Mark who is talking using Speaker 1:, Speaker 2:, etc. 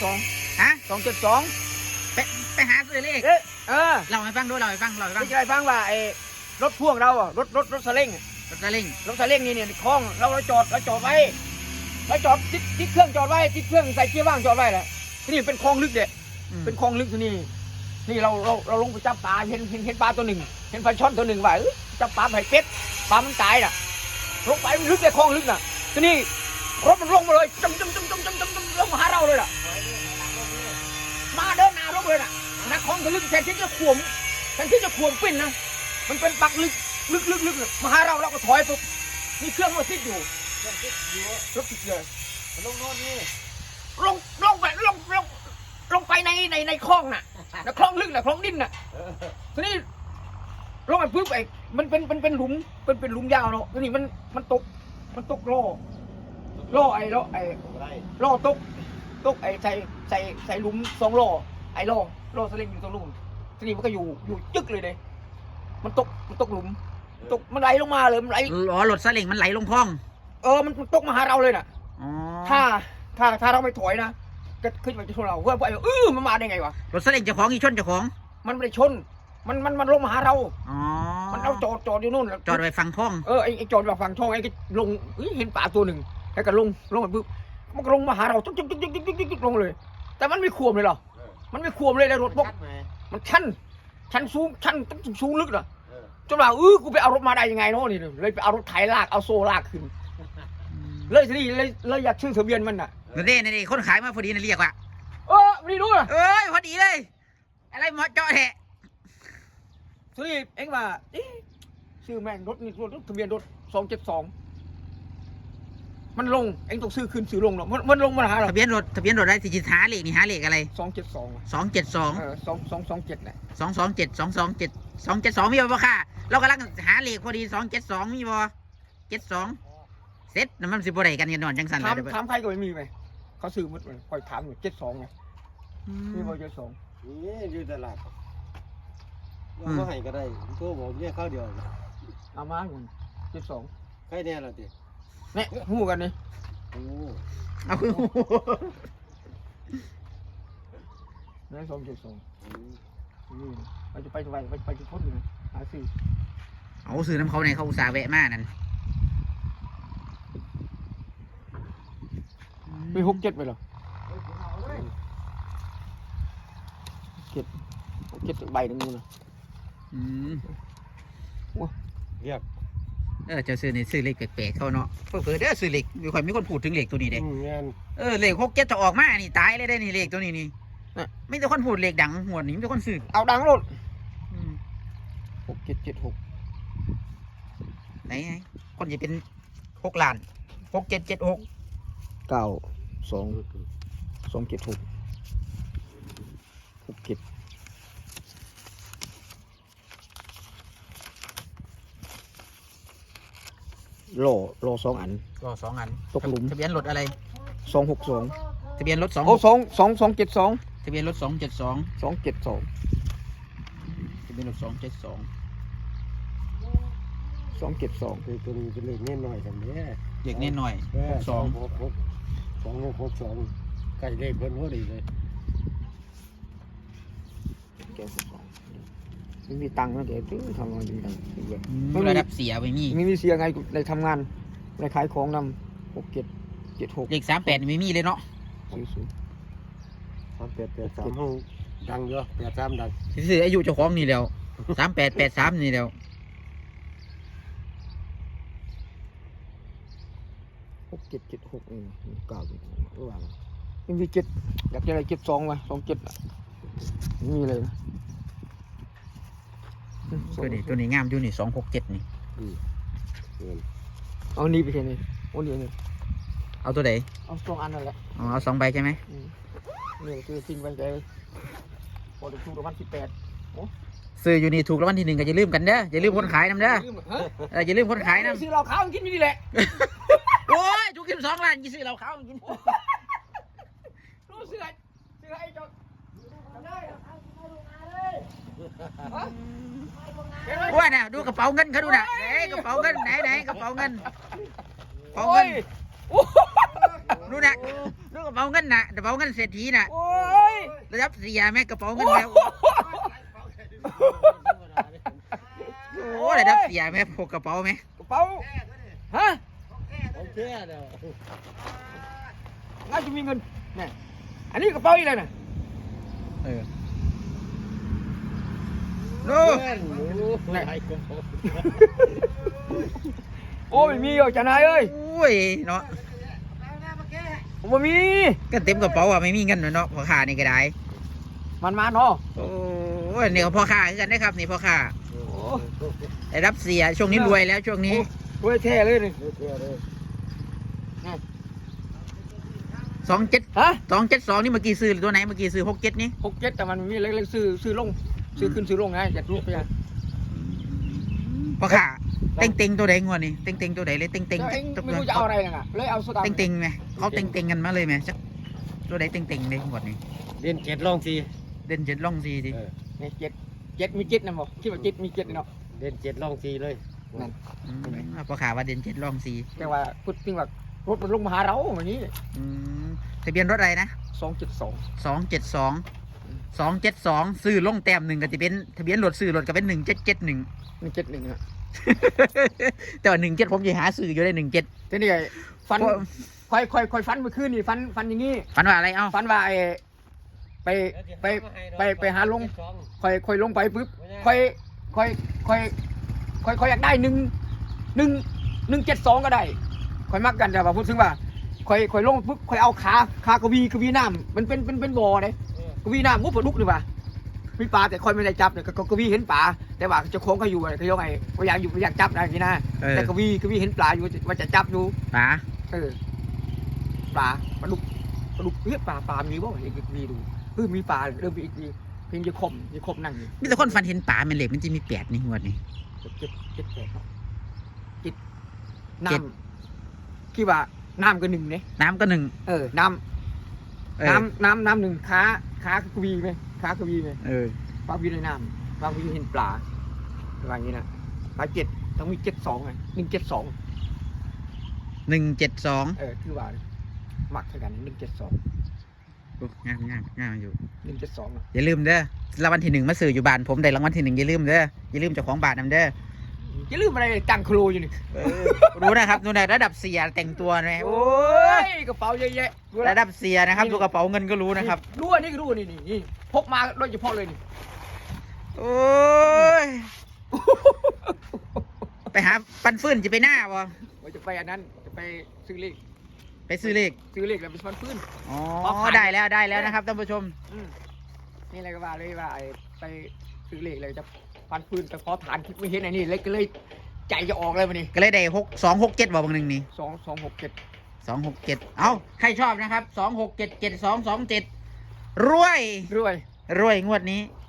Speaker 1: 2
Speaker 2: ฮะ
Speaker 1: 272
Speaker 2: ไปหาซื้อเลข
Speaker 1: เราให้ฟัง
Speaker 2: ไม่
Speaker 1: จะได้ฟังว่าไอ้รถพ่วงเรารถสเล้ง
Speaker 2: รถซาเล้ง
Speaker 1: รถสเล้งนี่คล้องเราจอดไว้เราจอดติดเครื่องจอดไว้ติดเครื่องใส่เกียร์ว่างจอดไว้แหละที่นี่เป็นคลองลึกเด็ดเป็นคลองลึกที่นี่เราลงไปจับปลาเห็นปลาตัวหนึ่งเห็นปลาช่อนตัวหนึ่งว่าจับปลาไผ่เป็ดปลามันตายน่ะลงไปมันลึกเลยคลองลึกน่ะทีนี้รถมันลงมาเลยจมลงมาหาเราเลยล่ะมาเดินหน้าลงเลยน่ะนักคลองทะลึกแทนที่จะขวมปิ้นนะมันเป็นปักลึกมาหาเราก็ถอยปุ๊บมีเครื่องมาติดอยู่รถติดเลยลงโน่นนี่ลงไปในคลองน่ะคลองลึกน่ะคลองดินน่ะทีนี้ลงไปปุ๊บไอ้มันเป็นหลุมเป็นหลุมยาวเนาะทีนี้มันตกล่อไอ้ล่อตกไอ้ใส่หลุม2ล่อไอ้ล่อสลิงอยู่ตรงนู้นทีนี้มันก็อยู่จึ๊กเลยเด้มันตกหลุมมันไหลลงมาเลยมันไหล
Speaker 2: รถซาเล้งมันไหลลงคลอง
Speaker 1: มันตกมาหาเราเลยน่ะ
Speaker 2: อ๋อ
Speaker 1: ถ้าเราไม่ถอยนะก็ขึ้นไปชนเราเพื่อนมันมาได้ไงวะ
Speaker 2: รถซาเล้งเจ้าของอีชนเจ้าของ
Speaker 1: มันไม่ได้ชนมันลงมาหาเรา
Speaker 2: อ๋อ
Speaker 1: มันเอาจอดอยู่นู่น
Speaker 2: จอดไว้ฝั่งคลอง
Speaker 1: ไอ้จอดแบบฝั่งช่องไอ้ก็ลงเห็นปลาตัวหนึ่งแล้วก็ลงไปปุ๊บมันก็ลงมาหาเราจุ๊กลงเลยแต่มันไม่ขวมเลยหรอมันไม่ขวมเลยแล้วรถพวกมันชั้นสูงลึกน่ะจนว่ากูไปเอารถมาได้ยังไงเนาะนี่เลยไปเอารถไถลากเอาโซ่ลากขึ้นเลยทีนี้เลยอยากชื่อทะเบียนมันน่ะ
Speaker 2: นี่คนขายมาพอดีนะเรียกว่า
Speaker 1: ไม่รู้นะ
Speaker 2: พอดีเลยอะไรหมอเจาะแหะ
Speaker 1: ทีนี้เอ็งว่าชื่อแม่งรถนี่รถทะเบียนรถ272มันลงเอ็งต้องซื้อขึ้นซื้อลงเนาะมันลงมาหาเรา
Speaker 2: ทะเบียนรถอะไรสิจิหาเลขนี่หาเลขอะไร
Speaker 1: 272
Speaker 2: 272
Speaker 1: 227น่ะ
Speaker 2: 227มีบ่ค่ะเรากำลังหาเลขพอดี272มีบ่72เสร็จน้ำมันสิบ่ได้กันนอนจังสัน
Speaker 1: ถามใครก็ไม่มีไหมเขาซื้อหมดเลยคอยถามอยู่72ไงมีบ่72
Speaker 3: นี่อยู่ตลาดว่าเขาให้ก็ได้ตัวผมเนี่ยข้าวเดียว
Speaker 1: เอามาอยู่72
Speaker 3: ใครแน่ล่ะติ
Speaker 1: เนี่ยหูกันนี่
Speaker 3: โอ้
Speaker 2: เอาคือ
Speaker 1: เนี่ย272นี่เราจะไปจุดพ้นอยู่หาซื้อ
Speaker 2: เอาซื้อน้ำเขาในเขาอุตส่าห์แวะมานั่น
Speaker 1: มี67ไปหรอ7ใบหนึ่งนู่นนะ
Speaker 3: เรียก
Speaker 2: จะซื้อในซื้อเลขแปลกๆเขาเนาะเผื่อเด้อซื้อเลขมีคนพูดถึงเลขตัวนี้เด้เลข67จะออกมานี่ตายเลยได้นี่เลขตัวนี้นี่ไม่แต่คนพูดเลขดังหัวนี่ไม่แต่คนซื้อ
Speaker 1: เอาดังรถ6776
Speaker 2: ไหนคนจะเป็น6 ล้าน6776
Speaker 1: 92276 67โล2 อันตกหลุม
Speaker 2: ทะเบียนรถอะไร
Speaker 1: 262
Speaker 2: ทะเบียนรถ
Speaker 1: 272
Speaker 2: ทะเบียนรถ272
Speaker 1: 272
Speaker 2: ทะเบียนรถ272
Speaker 1: 272
Speaker 3: คือตัวนี้เป็นเลขเน้นหน่อยกันเนี่ย
Speaker 2: เด็กเน้นหน่อย
Speaker 3: 2662ใกล้เลขเพิ่นพอดีเลย
Speaker 1: ไม่มีตังค์นะเดี๋ยวทำงานจริงจัง
Speaker 2: ไม่ระดับเสียไปมี
Speaker 1: ไม่มีเสียไงในทำงานในขายของนำ6776
Speaker 2: เลข38ไม่มีเลยเนาะ
Speaker 3: 3883ห้องดังเยอะ83ดัง
Speaker 2: ซื้ออายุเจ้าของนี่แล้ว3883นี่แล้ว
Speaker 1: 67769ว่าไม่มี7อยากจะได้72ว่ะ27ไม่มีเลยนะ
Speaker 2: ตัวนี้งามอยู่นี่267นี่
Speaker 1: เอานี่ไปแค่นี้โอ้นี่
Speaker 2: เอาตัวไหน
Speaker 1: เอา2 อันนั่นแหละ
Speaker 2: เอา2 ใบใช่ไหม
Speaker 1: นี่คือทิ้งไว้ใจพอถูกรางวัล18
Speaker 2: ซื้ออยู่นี่ถูกรางวัลที่1ก็อย่าลืมกันเด้ออย่าลืมคนขายนำเด้ออย่าลืมคนขายนำ
Speaker 1: ซื้อเราขาวกินนี่แหละ
Speaker 2: โอ้ยถูก12 ล้านซื้อเราขาวกิน
Speaker 1: รู้ซื้อไอ้จดได้
Speaker 2: ว่าน่ะดูกระเป๋าเงินเขาดูน่ะกระเป๋าเงินไหนกระเป๋าเงินดูน่ะ
Speaker 1: ดูกระ
Speaker 2: ระเป๋าเงินน่ะกระเป๋าเงินเศรษฐีน่ะ
Speaker 1: โอ้ย
Speaker 2: ระดับเสียแม่กระเป๋าเงิน
Speaker 1: โอ้
Speaker 2: แม่โอ้ระดับเสียแม่พกกระเป๋าแม่
Speaker 1: กระเป๋าฮะ
Speaker 3: โอเคเด้อ
Speaker 1: น่าจะมีเงินนี่อันนี้กระเป๋าอีกเลยนะ
Speaker 2: เออโน่
Speaker 3: เงินหนูไหนก็พอ
Speaker 1: โอ้ยมีอยู่จ้านายเอ้ย
Speaker 2: โอ้ยเนาะ
Speaker 1: ผมบ่มี
Speaker 2: ก็เต็มกระเป๋าอ่ะไม่มีเงินเนาะพ่อค้านี่ก็ได้
Speaker 1: มันมาเนาะ
Speaker 2: โอ้ยนี่ก็พ่อค้าคือกันนะครับนี่พ่อค้า
Speaker 1: โอ้
Speaker 2: ได้รับเสียช่วงนี้รวยแล้วช่วงนี้
Speaker 1: รวยแท้เลยนี่
Speaker 3: โอเคเลย
Speaker 2: 27
Speaker 1: ฮะ
Speaker 2: 272นี่เมื่อกี้ซื้อตัวไหนเมื่อกี้ซื้อ67นี่
Speaker 1: 67แต่มันมีเล็กๆซื้อลงซื้อขึ้นซื้อลงไงจะรูปไปอ่ะ
Speaker 2: พ่อค้าเต็งตัวใดงวดนี่เต็งตัวใดเลยเต็ง
Speaker 1: เจ้าเองไม่รู้จะเอาอะไรน่ะเลยเอาสตางค์
Speaker 2: เต็งไหมเขาเต็งกันมาเลยไหมจักตัวใดเต็งเลยงวดนี้
Speaker 3: เรียน7ลองสิ
Speaker 2: เด่น7ล่อง4สิ
Speaker 1: นี่เจ็ดมีเจ็ดนะบอกคิดว่าเจ็ดมีเจ็ดเนาะ
Speaker 3: เรียน7ลองสิเลย
Speaker 1: นั่น
Speaker 2: พ่อค้าว่าเด่น7ล่อง4
Speaker 1: แต่ว่าพูดจริงว่ารถมันลงมาหาเราวันนี้
Speaker 2: ทะเบียนรถอะไรนะ
Speaker 1: 272
Speaker 2: 272ซื้อลงแต้มหนึ่งก็จะเป็นทะเบียนรถซื้อรถก็เป็น1771
Speaker 1: 171อ่ะ
Speaker 2: แต่ว่า17ผมจะหาซื้ออยู่ได้17
Speaker 1: ทีนี้ไอ้ฟันค่อยฟันเมื่อคืนนี่ฟันอย่างงี้
Speaker 2: ฝันว่าอะไรเอ้า
Speaker 1: ฟันว่าไอ้ไปหาลงค่อยลงไปปุ๊บค่อยอยากได้172ก็ได้ค่อยมักกันแต่ว่าพูดถึงว่าค่อยลงปุ๊บค่อยเอาขากระวีน้ำมันเป็นบ่อเลยกระวีน้ำมุกปลาดุกหรือเปล่ามีปลาแต่ค่อยไม่ได้จับเนี่ยกระวีเห็นปลาแต่ว่าเจ้าของเขาอยู่เขายกไงพยายามอยู่พยายามจับอะไรอย่างนี้นะแต่กระวีเห็นปลาอยู่ว่าจะจับอยู่
Speaker 2: ป๋า
Speaker 1: ปลาดุกเฮ้ยปลามีบ่เห็นมีดูมีปลาเริ่มมีอีกทีเพียงจะคมนั่งอยู่
Speaker 2: มีแต่คนฝันเห็นป๋ามันเหล็กมันจะมี8นี่งวดนี่
Speaker 1: เจ็ดแปดเนาะจิตน้ำคิดว่าน้ำก็หนึ่งเนี่ย
Speaker 2: น้ำก็1
Speaker 1: น้ำหนึ่งขากวีไหมขากวีไหมปลาวีในน้ำปลาวีเห็นปลาอะไรอย่างนี้นะปลา7ต้องมี72ไง172
Speaker 2: 172
Speaker 1: คือว่ามักเท่ากัน172
Speaker 2: งามอยู่
Speaker 1: 172
Speaker 2: อย่าลืมเด้อรางวัลที่1มาซื้ออยู่บ้านผมได้รางวัลที่1อย่าลืมเด้ออย่าลืมเจ้าของบ้านนำเด้อ
Speaker 1: อย่าลืมอะไรตังโครอยู่นี่
Speaker 2: รู้นะครับดูในระดับเสียแต่งตัวนะโอ้
Speaker 1: โอ้ยกระเป๋าเยอะแยะ
Speaker 2: ระดับเสียนะครับดูกระเป๋าเงินก็รู้นะครับ
Speaker 1: รู้อันนี้ก็รู้นี่พกมาโดยเฉพาะเลยนี่
Speaker 2: โอ้ยไปหาปันฟื้นจะไปหน้าบ่
Speaker 1: ว่าจะไปอันนั้นจะไปซื้อเลข
Speaker 2: ไปซื้อเลข
Speaker 1: แล้วเป็นฟันฟื้น
Speaker 2: อ๋อได้แล้วนะครับท่านผู้ชม
Speaker 1: นี่อะไรก็ว่าเลยว่าไปซื้อเลขเลยจะฟันฟื้นแต่พอฐานคิดไม่เห็นไอ้นี่เลยก็เลยใจจะออกเลยวันนี้
Speaker 2: ก็เลยได้267บ่บางหนึ่งนี่
Speaker 1: 267
Speaker 2: 267เอ้าใครชอบนะครับ2677227รวย
Speaker 1: รวย
Speaker 2: งวดนี้